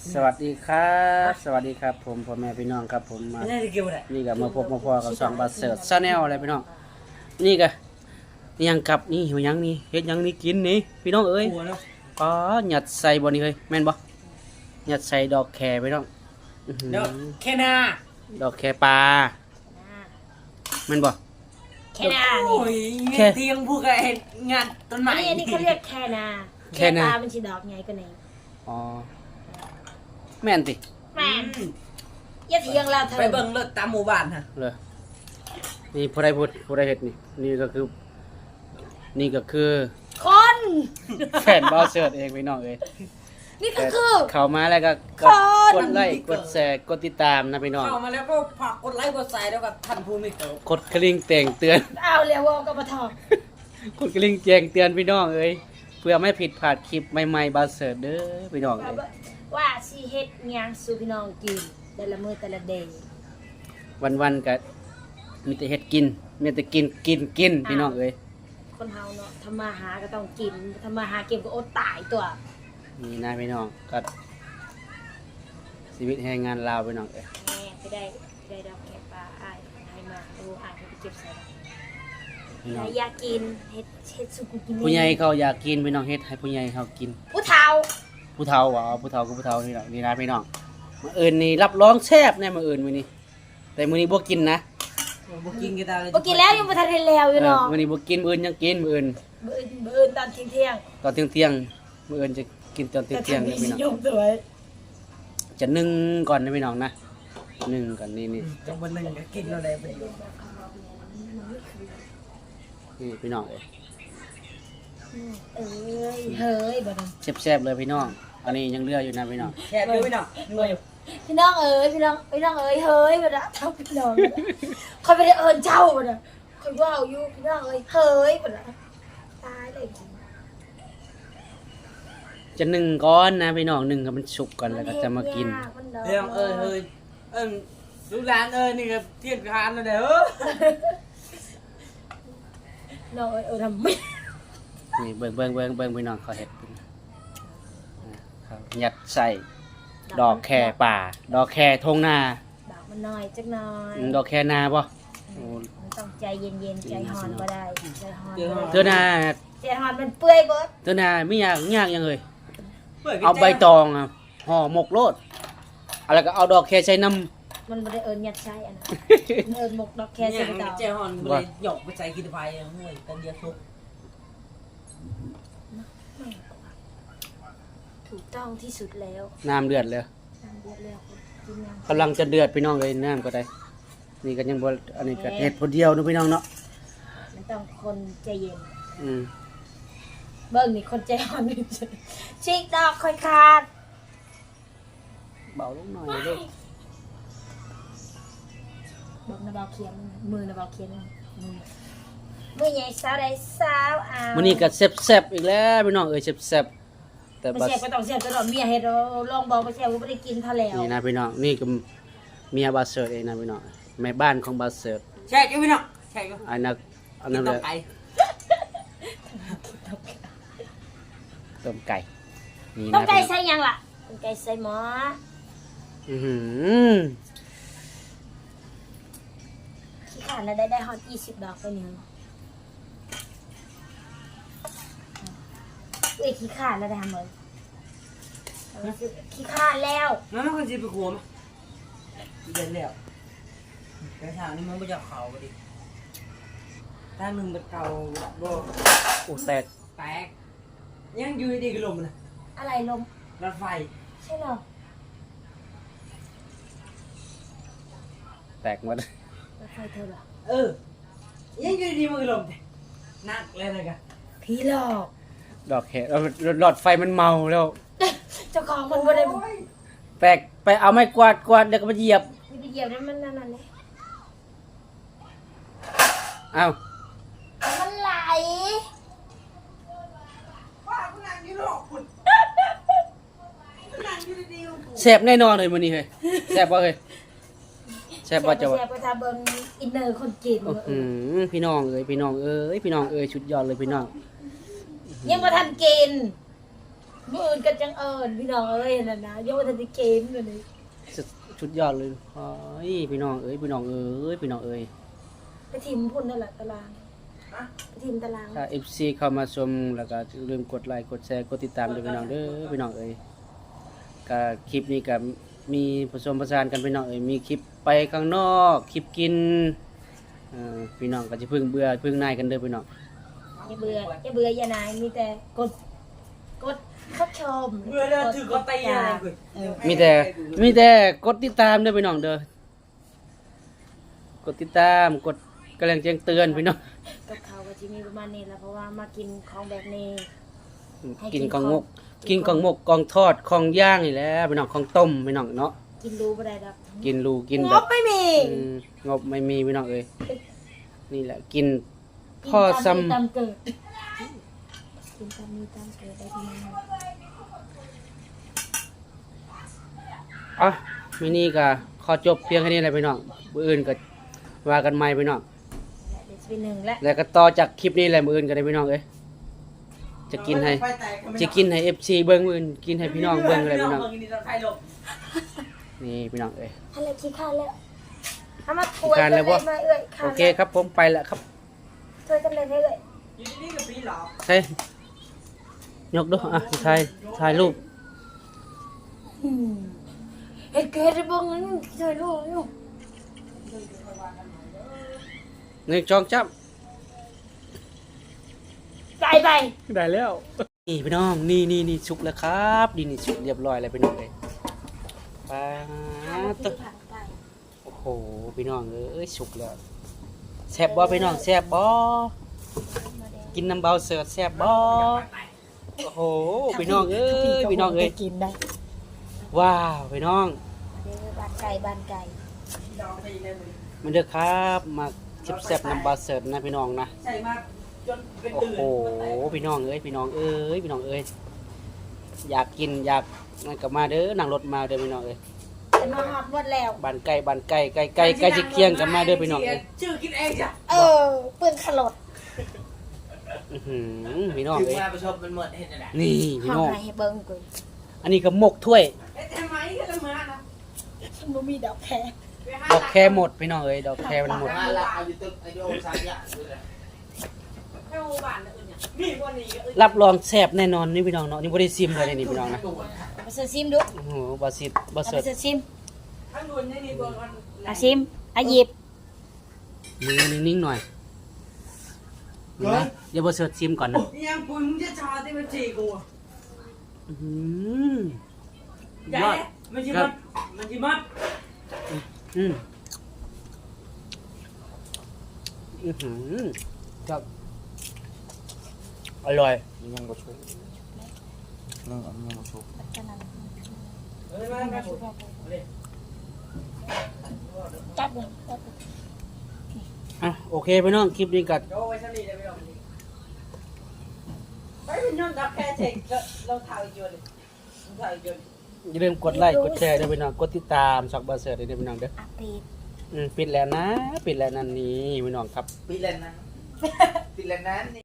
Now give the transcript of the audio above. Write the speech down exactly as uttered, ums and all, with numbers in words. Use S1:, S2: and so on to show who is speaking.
S1: สวัสดีครับสวัสดีครับผมพ่อแม่พี่น้องครับผมมา
S2: ไม่ได้เกี่ยวอะไร
S1: นี่ก็มาพบมาพอกับสองบาเสิร์ชชาแนลอะไรพี่น้องนี่ก็นี่ยังกับนี่หิวยังนี่เฮ็ดยังนี่กินนี่พี่น้องเอ้ย
S2: หัวเนาะ
S1: อ๋อหยัดใส่บ่นี่เฮ้ยแม่นบ่หยัดใส่ดอกแคพี่น้องอื้อหือ
S2: เดี๋ยวแค่นา
S1: ดอกแคปลาแม่นบ่
S3: แค่นา
S2: โอ้
S3: นี่
S2: ยเงี้ยเตียงพูดกับเห็ดงานต้นไม้
S3: อันนี้อันนี้เขาเรียกแค่นาแค่นามันสีดอกไงก็ไหน
S1: อ๋อแม่นติ
S3: แม่อย่าเถียงเราเถอะ
S2: ไปเบิ่งรถตามหมู่บ้านฮะ
S1: เลยนี่ผู้ใดพูดผู้ใดเฮ็ดนี่นี่ก็คือนี่ก็คือ
S3: คน
S1: แฟนบาเสิร์ชเองพี่น้องเอ้ย
S3: นี่ก็คือ
S1: เข้ามาแล้วก็ก
S3: ค
S1: ด
S3: น
S1: กดไลค์กดแชร์กดติดตามนะพี่น้อง
S2: เข้ามาแล้วก็ฝากกดไลค์กดแชร์แล้วก็ท่านผู้มีเกียรติ
S1: กดกระลิ่งแต่งเตือน
S3: เอาเรียกว่ากับปะทอง
S1: กดกระลิ่งแจ้งเตือนพี่น้องเอ้ยเพื่อไม่ผิดพลาดคลิปใหม่ๆบาเสิร์ชเด้อพี่น้องเอ้ย
S3: ว่าสิเฮ็ดหยังสู่พี่น้องกินแต่ละมื้อแต่ละเดย์
S1: วันๆก็มีแต่เฮ็ดกินมีแต่กินกินกินพี่น้องเอ้ย
S3: คนเฮาเนาะทำมาหาก็ต้องกินทำมาหาเก็บก็อดตายตัว
S1: นี่นะพี่น้องก็ชีวิตแรงงานลาวพี่น้องเอ้ย
S3: แม่ไปได้ไปได้ดอกแคปลาอ้ายให้มาดูอ้ายให้ไปเก็บใส่ดอก
S1: พี่น้อง
S3: อยากกินเฮ็ดเฮ็ดสุกุกิน
S1: ผู้ใหญ่เขาอยากกินพี่น้องเฮ็ดให้ผู้ใหญ่เขากิน
S3: ผู้เฒ่า
S1: ผู้เฒ่าว่าผู้เฒ่าก็ผู้เฒ่านี่แหละนี่นะพี่น้องมื้ออื่นนี่รับรองแซ่บแน่มื้ออื่นมื้อนี้แต่มื้อนี้บ่กินนะ
S2: บ่กินกันตาเลย
S3: บ่กินแล้วยังบ่ทันได้แล้วอยู่
S1: เออ
S3: เนาะ
S1: มื้อนี้บ่กินมื้ออื่นยังกินมื้ออื่น
S3: มื้ออื่นมื้ออื่นตอนเที่ยง
S1: ตอนเที่ยงๆมื้ออื่นจะกินตอน
S3: ๆ
S1: เที่ยงๆ
S3: แต่
S1: นะพี่น้อง
S3: ยกสวย
S1: จะนึ่งก่อนนะพี่น้องนะนึ่งก่อนนี่นี่
S2: จังวันหนึ่งก็กินอะไรไปอยู่
S1: นี่พี่น้องเอ้ย
S3: เอ้ยเฮ้ยบ่ต้อง
S1: แซ่บๆเลยพี่น้องอันนี้ยังเหลืออยู่นะพี่น้อง
S2: แค่ดูไม่หนักงวย
S3: พี่น้องเอ้ยพี่น้องพี่น้องเอ้ยเฮ้ยบ่นะเอาพี่น้องบ่นะเขาไม่ได้เอิ้นเจ้าบ่นะเขาว่าอยู่พี่น้องเอ้ยเฮ้ยบ่นะตายเลย
S1: จะนึ่งก่อนนะพี่น้องนึ่งให้มันสุกก่อนแล้วก็จะมากิน
S2: เรื่องเอ้ยเฮ้ยเอิ้นลูกหลานเอ้ยนี่ก็เทียนคานแล้วเด้อ
S3: น้องเอ้ยเออทำไม่
S1: นี่เบิ่งเบิ่งเบิ่งเบิ่งพี่น้องเขาเห็ดครับยัดใส่ดอกแคป่า ดอกแคทงนา
S3: ดอกมันน้อยจักหน่อย
S1: อืมดอกแคนาป่ะโอ้
S3: มันต้องใจเย็นๆใจฮอนบ่ได้ใจฮอน
S1: เธอนา
S3: ใจฮอนมันเปื่อยเบิด
S1: เธอนาไม่ยากยากยังเลย
S2: ปิดกระ
S1: เอา
S2: จก
S1: ใบตองอะห่อหมกโลดอะไรก็เอาดอกแคใส่น้
S3: มันบ่ได้เอิ้นยัดไส้อันนั้นมันเอิ้นหมกดอกแค
S2: เนี่
S3: ใส่
S2: ย
S3: กระดอก
S2: เจ้าฮอนบ่ได้หยอกไปใส่กินไฟห่วยกันเดียวทุก
S3: ถูกต้องที่สุดแล้ว
S1: ำน้ำเดือดเลย
S3: น้ำเดือดแล้วกินน้ำ
S1: กำลังจะเดือดพี่น้องเลยน้ำก็ได้ นี่ก็ยังบ่อันนี้ก็เห็ดพอเดียวนะพี่น้องเนาะ
S3: มันต้องคนใจเย็น
S1: อืม
S3: เบิ่งนี่คนใจฮอนชิกดอกค่อยขาด
S1: เบาลงหน่อยลูก
S3: เบิ่งนะเบาเขียนมือนะเบาเขียนมือมือใหญ่สาวใดสาวเอา
S1: มื้อนี้ก็แซ่บๆอีกแล้วพี่น้องเอ้ยแซ่บๆแต่
S3: ไม่
S1: บัด
S3: แซ่บก็ต้องแซ่บตลอดเมียเฮ็ดเอาลองบอกบ่แซ่บก็บ่ได้กินเท่าแล้ว
S1: นี่นะพี่น้องนี่ก็เมียบาเสิร์ตเองนะพี่น้องแม่บ้านของบาเสิร์ต
S2: แช่กันพี่น้องแช่กัน
S1: อันนั้นอัน
S2: กิ
S1: นั้น น
S2: ต่
S1: เล
S2: อย ไป
S1: ต้มไก่นี่
S3: ต้
S1: นะ
S3: มไก่ใส่หยังล่ะต้มไก่ใส่หม้อ
S1: อื้อหือ
S3: ขี้ขาดแล้วได้ได้ฮอตยี่สิบดอกไปนี่เอ้ยขี้ขาดแล้วได้ทำเลยขี้ขาดแล้ว
S2: นั่นมันคนสิไปขัวมั้ยเดินแล้วกระถางนี่มันบ่จะเข้าบ่ดิถ้ามึงเป็นเก่าบ่
S1: โอ้แตก
S2: แตกยังอยู่ดีๆก็ลมนะ
S3: อะไรลม
S2: รถไฟ
S3: ใช่เหรอ
S1: แตกหมด
S3: รถไฟเธอเหรอ
S2: เออยังอยู่ดีๆมันก็ลมแต่นักเลยนะกะ
S3: ผีหลอก
S1: ดอกแคเอาหลอดไฟมันเมาแล้ว
S3: เจ้าของมันบ่ได้
S1: แตกไปเอาไม้กวาดกวาดแล้วก็มาเหยียบ
S3: นี่ไปเหยียบนั้นมันนั่นนั่นเลย
S1: เอ้า
S3: มันไหล
S2: ว่ากูนั่งอยู่นอกคุณนั่งอยู่ดีๆ
S1: แซ่บแน่นอนเลยมื้อนี้เฮ้ยแซ่บบ่เฮ้ยแซ่บบ่จะ
S3: แซ่
S1: ว่า
S3: บไปทาเบิ่งอินเนอร์คนจีน
S1: อื้อหือพี่น้องเอ้ยพี่น้องเอ้ยพี่น้องเอ้ยชุดยอดเลยพี่น้อง
S3: ยังบ่ทันกินมื้ออื่นก็จังเอิ้นพี่น้องเอ้ยนั่นนะยังบ่ทันได้เกมเลยนี่
S1: สุดชุดยอดเลยโอ้ยพี่น้องเอ้ยพี่น้องเอ้ยพี่น้องเอ้ย
S3: ไปทิมพุ่นนั่นแหละตารางไปทิมตาราง
S1: ถ้า เอฟ ซี เข้ามาชมแล้วก็อย่าลืมกดไลค์กดแชร์กดติดตามด้วยพี่น้องเด้อพี่น้องเอ้ยก็คลิปนี้ก็มีผสมผสานกันพี่น้องเอ้ยมีคลิปไปข้างนอกคลิปกินเอ่อพี่น้องก็จะพึ่งเบื่อพึ่งนายกันเด้อพี่น้อง
S3: อย่าเบื่ออย่าเบื่ออย่านายมีแต่กดกดเข้าชม
S2: เมื่อเราถือก็ตีอะไรกู
S1: มีแต่มีแต่กดติดตามเด้อพี่น้องเด้อกดติดตามกดกระแรงแจ้งเตือนพี่น้อง
S3: กับเขาก็จะมีประมาณนี้แหละเพราะว่ามากินของแบบนี้ ให้กิ
S1: กิน
S3: น
S1: กองมก
S3: ของ
S1: กินกองมกกองทอดของย่างนี่แหละพี่น้องของต้มพี่น้องเนาะ
S3: กินรู้บ่ได้ดอก
S1: กินรูกิน
S3: ง
S1: แบบ
S3: บไม่มี
S1: อืมงบไม่มีพี่น้องเอ้ยนี่แหละกิน
S3: กิน
S1: พ่อ
S3: ตามมี
S1: ซ้ำ
S3: ตามเกิดกินตามมีตามเกิดได้ที่นั่น
S1: อ่ะมินี่ก็ขอจบเพียงแค่นี้แหละพี่น้องมื้ออื่นก็ว่ากันใหม่พี่น้อง
S3: และเดี๋ยวจะเป็นหนึ่งและ
S1: แล้วก็ต่อจากคลิปนี้แหละมื้ออื่นก็ได้พี่น้องเอ้ยจะกินให้จะกินให้ เอฟ ซี เบิ่งมื้ออื่นกินให้พี่น้องเบิ่งเลยพี่น้องนี่พี่น้องเอ้ย
S3: อะไรขี้ข้านแล้วเอามาป่วย
S1: ขี้คร้านแล้วบ่
S3: มาเอ้ยข้าน
S1: โอเคครับผมไปแล้วครับ
S3: ช่วยกันเลยเอ้ย
S2: อยู่นี่กับพี่หรอ
S1: ใช่ยกดูอ่ะถ่ายถ่ายรูป
S3: อืมเฮ็ดเกิดได้บ่งั้นช่วยลูกอยู่
S1: หนึ่งจองจับ
S3: ไปไป
S1: ได้แล้ว นี่พี่น้องนี่นี่นี่สุกแล้วครับดีนี่สุกเรียบร้อยแล้วพี่น้องเลยปาตวโอ้โหพี่น้องเอ้ยสุกแล้วแซ่บบ่พี่น้องแซ่บบ่กินน้ำเบาเสิร์ฟแซ่บบ่โอ้โหพี่น้องเอ้ยพี่น้องเอ้ย
S3: กินได้
S1: ว้าวพี่น้อง
S3: เด้อบ้านไก่บ้านไก่
S1: มันเด้อครับมาชิบแซ่บน้ำเบาเสิร์ฟนะพี่น้องนะ
S2: ใส่มาจนเป็น
S1: โอ้
S2: ตื่น
S1: โหพี่น้องเอ้ยพี่น้องเอ้ยพี่น้องเอ้ยอยากกินอยากนั่นก็มาเด้อนั่งรถมาเด้อพี่น้องเอ้ย
S3: จะมาหอดหมดแล้ว
S1: บ้านไก่บ้านไก่ไก่ไก่ไก่จะเคียงกันมาเด้อพี่น้องเอ้ย
S2: ชื่อกินเองจ้ะ
S3: เออปืนขลด
S1: อื้อหือพี่น้อง
S2: ถึง
S1: เอ้ย
S2: มาประชมมันหมดเห็นอะไร
S1: นี่พี่
S3: ห้อ
S1: น้อง
S3: งให้เบิ่งกู
S1: อันนี้ก็หมกถ้วย
S2: เอ๊ะทำไมก็จะมานะ
S3: ฉันบ่มีดอกแคร์
S1: ดอกแคหมดพี่น้องเอ้ยดอกแคมันหมด
S2: มาละเอาอยู่ตึกไอโดสามอย่างเลยไม่โอบานอื่นเนี่ยมีวันนี้
S1: รับรองแซ่บแน่นอนนี่พี่น้องเนาะนี่บ่ได้ซิมเลยนี่พี่น้องนะ
S3: เอาไปเสิร์ฟซิมดู
S1: โอ้โหบาซิดบา
S3: เอา
S1: เสิ
S3: ไป
S1: ร์ฟ
S3: เสิร์ฟซิม
S2: ทั้งดุนนี่นี่ตัวมัน
S3: เอาซิมเอาหยิบ
S1: มือนิ่งๆหน่อยนะเดี๋ยวบาเสิร์ฟซิมก่อนนะ
S2: ยังปุ้ยมึงจะชาที่มันจีกู
S1: อื้อหือ
S2: ใหญ่
S1: ยอด
S2: มันจีมัดมันจีมัด
S1: อืมอื้อหือครับอร่อย
S4: ยังบ่ชุบนึ่งอันยังบ่ชุบ
S2: เฮ้ยมาแม่ผม
S3: จับเลยจับเลย
S1: อ่ะโอเคพี่น้องคลิปนี้กัด
S2: โดไว้ชั้นนี้ได้ไหมล่ะไปเป็นยนต์ดักแค่เช็คเราถ่ายอยู่เลยถ่ายอยู่
S1: อย่าลืมกดไลค์กดแชร์ด้วยพี่น้องกดติดตามช่องบาเสิร์ฟด้วยพี่น้องเด้อ
S3: อ่ะปิด
S1: อืมปิดแล้วนะปิดแล้วนั่นนี่พี่น้องครับ
S2: ปีเลนนะปีเลนนั้น